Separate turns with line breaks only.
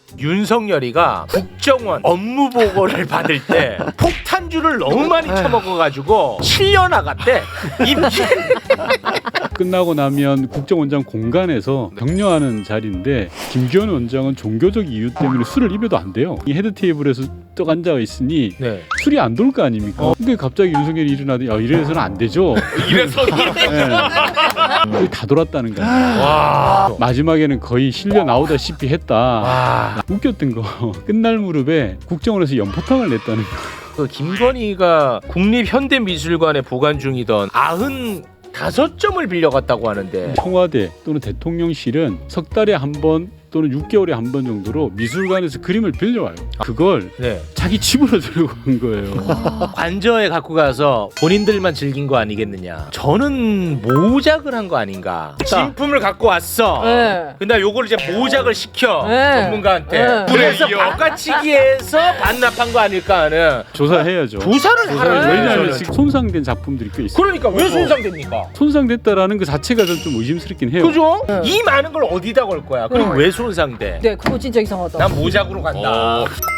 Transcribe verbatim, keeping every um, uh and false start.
윤석열이가 국정원 업무 보고를 받을 때 폭탄주를 너무 많이 처먹어가지고 실려 나갔대. 임기.
끝나고 나면 국정원장 공간에서 격려하는 자리인데 김기현 원장은 종교적 이유 때문에 술을 입에도 안 돼요. 이 헤드 테이블에서 떡 앉아 있으니
네.
술이 안 돌 거 아닙니까? 어. 근데 갑자기 윤석열이 일어나더니 야 이래서는 안 되죠.
이래서는
네. 다 돌았다는 거야.
와.
마지막에는 거의 실려 나오다시피 했다.
와.
웃겼던 거 끝날 무렵에 국정원에서 연포탕을 냈다는 거.
그 김건희가 국립현대미술관에 보관 중이던 아흔 다섯 점을 빌려갔다고 하는데
청와대 또는 대통령실은 석 달에 한 번 또는 육 개월에 한 번 정도로 미술관에서 그림을 빌려와요. 그걸
네.
자기 집으로 들고 간 거예요.
관저에 갖고 가서 본인들만 즐긴 거 아니겠느냐. 저는 모작을 한 거 아닌가. 진품을 갖고 왔어.
네.
근데 요걸 이제 모작을 시켜
네.
전문가한테.
네.
그래서 바깥치기해서 반납한 거 아닐까 하는.
조사해야죠.
조사를
조사를
하라는
왜냐하면
거죠.
지금 손상된 작품들이 꽤 있어요.
그러니까 왜 손상됩니까?
손상됐다라는 그 자체가 좀 의심스럽긴 해요.
그죠?
네.
이 많은 걸 어디다 걸 거야? 그리고
네.
왜 손상돼?
네, 그거 진짜 이상하다.
난 모작으로 간다.
어.